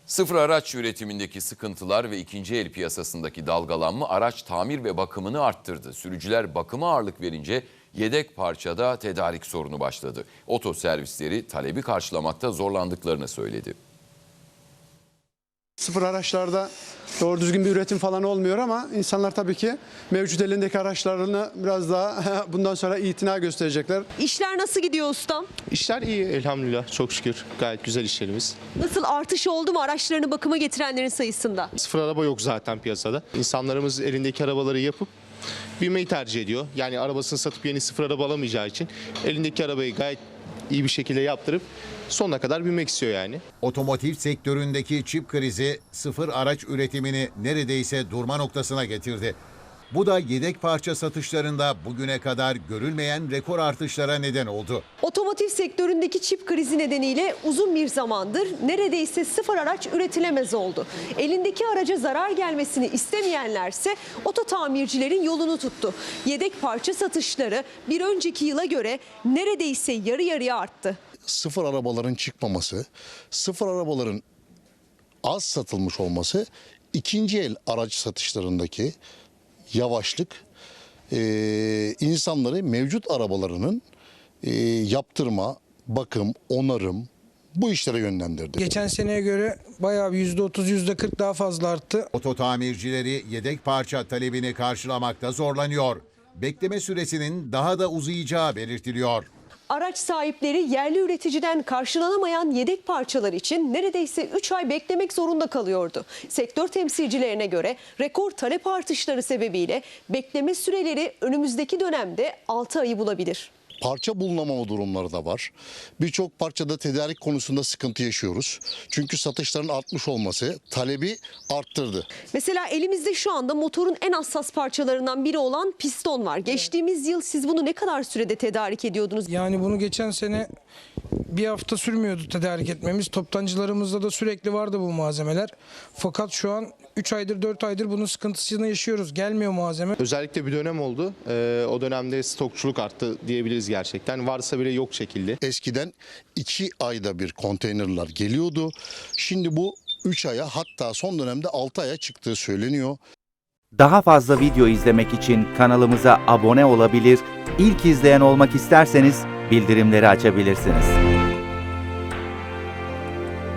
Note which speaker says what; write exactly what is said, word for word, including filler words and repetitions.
Speaker 1: Sıfır araç üretimindeki sıkıntılar ve ikinci el piyasasındaki dalgalanma araç tamir ve bakımını arttırdı. Sürücüler bakıma ağırlık verince yedek parçada tedarik sorunu başladı. Oto servisleri talebi karşılamakta zorlandıklarını söyledi.
Speaker 2: Sıfır araçlarda doğru düzgün bir üretim falan olmuyor ama insanlar tabii ki mevcut elindeki araçlarını biraz daha bundan sonra itina gösterecekler.
Speaker 3: İşler nasıl gidiyor ustam?
Speaker 4: İşler iyi elhamdülillah, çok şükür. Gayet güzel işlerimiz.
Speaker 3: Nasıl artış oldu mu araçlarını bakıma getirenlerin sayısında?
Speaker 4: Sıfır araba yok zaten piyasada. İnsanlarımız elindeki arabaları yapıp binmeyi tercih ediyor. Yani arabasını satıp yeni sıfır araba alamayacağı için elindeki arabayı gayet iyi bir şekilde yaptırıp sonuna kadar binmek istiyor yani.
Speaker 5: Otomotiv sektöründeki çip krizi sıfır araç üretimini neredeyse durma noktasına getirdi. Bu da yedek parça satışlarında bugüne kadar görülmeyen rekor artışlara neden oldu.
Speaker 3: Otomotiv sektöründeki çip krizi nedeniyle uzun bir zamandır neredeyse sıfır araç üretilemez oldu. Elindeki araca zarar gelmesini istemeyenlerse oto tamircilerin yolunu tuttu. Yedek parça satışları bir önceki yıla göre neredeyse yarı yarıya arttı.
Speaker 6: Sıfır arabaların çıkmaması, sıfır arabaların az satılmış olması, ikinci el araç satışlarındaki yavaşlık e, insanları mevcut arabalarının e, yaptırma, bakım, onarım bu işlere yönlendirdi.
Speaker 7: Geçen seneye göre bayağı bir yüzde otuz yüzde kırk daha fazla arttı.
Speaker 5: Oto tamircileri yedek parça talebini karşılamakta zorlanıyor. Bekleme süresinin daha da uzayacağı belirtiliyor.
Speaker 3: Araç sahipleri yerli üreticiden karşılanamayan yedek parçalar için neredeyse üç ay beklemek zorunda kalıyordu. Sektör temsilcilerine göre rekor talep artışları sebebiyle bekleme süreleri önümüzdeki dönemde altı ayı bulabilir.
Speaker 6: Parça bulunamama durumları da var. Birçok parçada tedarik konusunda sıkıntı yaşıyoruz. Çünkü satışların artmış olması talebi arttırdı.
Speaker 3: Mesela elimizde şu anda motorun en hassas parçalarından biri olan piston var. Geçtiğimiz yıl siz bunu ne kadar sürede tedarik ediyordunuz?
Speaker 7: Yani bunu geçen sene bir hafta sürmüyordu tedarik etmemiz. Toptancılarımızda da sürekli vardı bu malzemeler. Fakat şu an üç aydır dört aydır bunun sıkıntısını yaşıyoruz. Gelmiyor malzeme.
Speaker 4: Özellikle bir dönem oldu. Ee, o dönemde stokçuluk arttı diyebiliriz gerçekten. Varsa bile yok şekilde.
Speaker 6: Eskiden iki ayda bir konteynerler geliyordu. Şimdi bu üç aya, hatta son dönemde altı aya çıktığı söyleniyor.
Speaker 8: Daha fazla video izlemek için kanalımıza abone olabilir, ilk izleyen olmak isterseniz bildirimleri açabilirsiniz.